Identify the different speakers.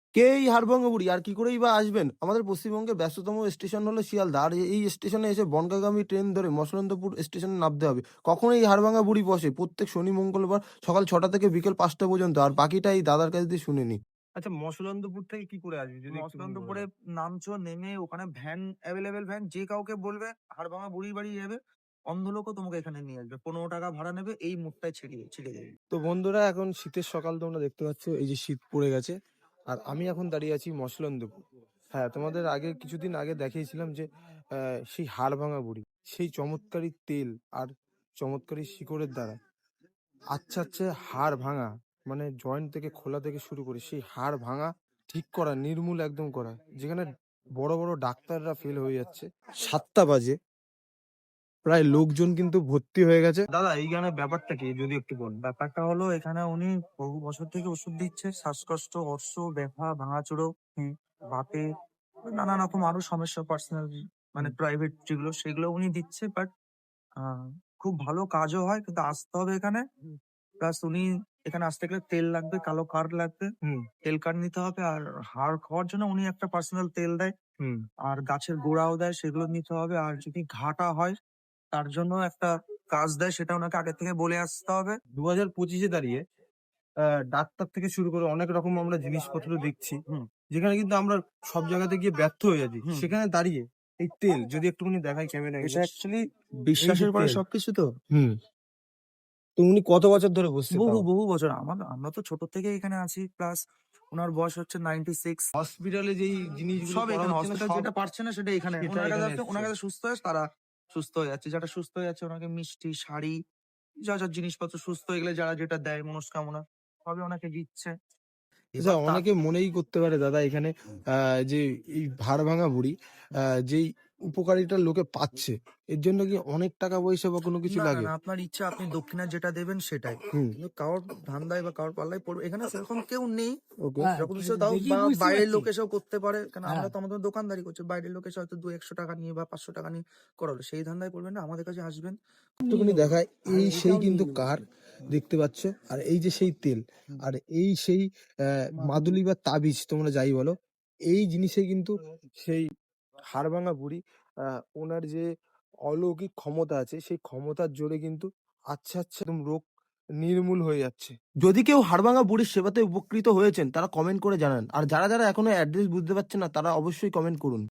Speaker 1: কে এই হাড়ভাঙা বুড়ি? আর কি করেই বা আসবেন? আমাদের পশ্চিমবঙ্গের ব্যস্ততম স্টেশন হলো শিয়ালদা। আর এই স্টেশনে এসে বনগাঁগামী ট্রেন ধরে মসলন্দপুর স্টেশনে নামতে হবে। কখন এই হাড়ভাঙা বুড়ি বসে? প্রত্যেক শনি, মঙ্গলবার সকাল ৬টা থেকে বিকেল ৫টা পর্যন্ত। আর বাকিটা এই দাদার কাছ দিয়ে শুনে নিই।
Speaker 2: আচ্ছা, মসলন্দপুর থেকে কি করে আসবি যদি একটুখানি
Speaker 3: মসলন্দপুরে
Speaker 2: বলেন?
Speaker 3: নামছো, নেমে ওখানে ভ্যান অ্যাভেলেবেল ভ্যান যে কাউকে বলবে হাড়ভাঙা বুড়ির বাড়ি যাবে, অন্ধ লোকও তোমাকে এখানে নিয়ে আসবে। ১৫ টাকা ভাড়া নেবে, এই মুখটায় ছেড়ে দেবে।
Speaker 1: তো বন্ধুরা, এখন শীতের সকাল তোমরা দেখতে পাচ্ছ, এই যে শীত পড়ে গেছে। আর আমি এখন দাঁড়িয়ে আছি মসলন্দপুর। হ্যাঁ, তোমাদের আগে কিছুদিন আগে দেখিয়েছিলাম যে সেই হাড়ভাঙা বুড়ি, সেই চমৎকারী তেল আর চমৎকারী শিকড়ের দ্বারা আচ্ছা আচ্ছা হাড় ভাঙা, মানে জয়েন্ট থেকে খোলা থেকে শুরু করে সেই হাড় ভাঙা ঠিক করা, নির্মূল একদম করা, যেখানে বড় বড় ডাক্তাররা ফেল হয়ে যাচ্ছে। 7টা বাজে, প্রায় লোকজন কিন্তু ভর্তি হয়ে গেছে।
Speaker 3: দাদা এইখানে ব্যাপারটা কি যদি একটু বল। ব্যাপারটা হলো এখানে উনি বহু বছর থেকে ওষুধ দিচ্ছে, শ্বাসকষ্ট, অর্শ, ব্যথা, ভাঙাচোরা, বাতে, নানা রকম আরো সমস্যা, পার্সোনাল মানে প্রাইভেট যেগুলো সেগুলো উনি দিচ্ছে। বাট খুব ভালো কাজও হয়, কিন্তু আসতে হবে এখানে। প্লাস উনি এখানে আসতে গেলে তেল লাগবে, কালো কার্ড লাগবে, তেল কার্ড নিতে হবে। আর হাড় খাওয়ার জন্য উনি একটা পার্সোনাল তেল দেয়, আর গাছের গোড়াও দেয়, সেগুলো নিতে হবে। আর যদি ঘাটা হয় তার জন্য একটা কাজ দেয়, সেটা ওনাকে আগে থেকে বলে আসতে হবে।
Speaker 1: 2025-এ দাঁড়িয়ে ডাক্তার থেকে শুরু করে অনেক রকম আমরা জিনিসপত্র দেখছি,
Speaker 3: হুম
Speaker 1: যেখানে কিন্তু আমরা সব জায়গাতে গিয়ে ব্যর্থ হয়ে যাচ্ছি।
Speaker 3: হুম
Speaker 1: সেখানে দাঁড়িয়ে এই তেল যদি একটুখানি দেখাই ক্যামেরায়,
Speaker 3: এটা অ্যাকচুয়ালি
Speaker 1: এই যে
Speaker 3: বিশ্বাসের পরে
Speaker 1: তেল,
Speaker 3: সবকিছু তো।
Speaker 1: হুম, তো উনি কত বছর ধরে বসছে
Speaker 3: বহু
Speaker 1: তাও?
Speaker 3: বহু বছর আমরা তো ছোট থেকে এখানে আছি। প্লাস ওনার বয়স হচ্ছে 96।
Speaker 1: হসপিটালে যেই জিনিসগুলো
Speaker 3: সব
Speaker 1: করা
Speaker 3: এখানে
Speaker 1: হচ্ছে না,
Speaker 3: হসপিটাল
Speaker 1: সব
Speaker 3: যেটা পারছে না সেটা এখানে
Speaker 1: সেটা
Speaker 3: ওনার কাছে
Speaker 1: এখানে
Speaker 3: আসলে
Speaker 1: এসছে।
Speaker 3: ওনার কাছে সুস্থ হয়ে তারা সুস্থ হয়ে যাচ্ছে। যারা সুস্থ হয়ে যাচ্ছে ওনাকে মিষ্টি, শাড়ি, যা যা জিনিসপত্র সুস্থ হয়ে গেলে যারা যেটা দেয় মনস্কামনা সবই ওনাকে দিচ্ছে।
Speaker 1: আচ্ছা,
Speaker 3: এবার তার
Speaker 1: অনেকে মনেই করতে পারে দাদা এখানে যে এই ভাড় ভাঙা বুড়ি যেই উপকারিতা লোকে পাচ্ছে, এর জন্য কি অনেক টাকা পয়সা বা কোনো কিছু
Speaker 3: না, না,
Speaker 1: লাগে?
Speaker 3: না, আপনার ইচ্ছা, আপনি দক্ষিণা যেটা দেবেন সেটাই।
Speaker 1: হুম।
Speaker 3: কিন্তু কারোর ধান্দায় বা কারোর পাল্লায় পড়বে এখানে সেরকম কেউ নেই।
Speaker 1: ওকে।
Speaker 3: সেরকম কিছু তাও বা বাইরের লোক এসেও করতে পারে। কারণ আমরা তো আমাদের দোকানদারি করছি। বাইরের লোক এসে হয়তো ২-১০০ টাকা নিয়ে বা ৫০০ টাকা নিয়ে করালো। সেই ধান্দায় পড়বেন না। আমাদের কাছে আসবেন।
Speaker 1: একটুখানি দেখায়, এই সেই কিন্তু কার দেখতে পাচ্ছ, আর এই যে সেই তেল, আর এই সেই মাদুলি বা তাবিজ তোমরা যাই বলো, এই জিনিসে কিন্তু সেই হাড়ভাঙা বুড়ি ওনার যে অলৌকিক ক্ষমতা আছে, সেই ক্ষমতার জোরে কিন্তু আচ্ছা আচ্ছা একদম রোগ নির্মূল হয়ে যাচ্ছে। যদি কেউ হাড়ভাঙা বুড়ির সেবাতে উপকৃত হয়েছেন, তারা কমেন্ট করে জানান। আর যারা যারা এখনো অ্যাড্রেস বুঝতে পারছেন না, তারা অবশ্যই কমেন্ট করুন।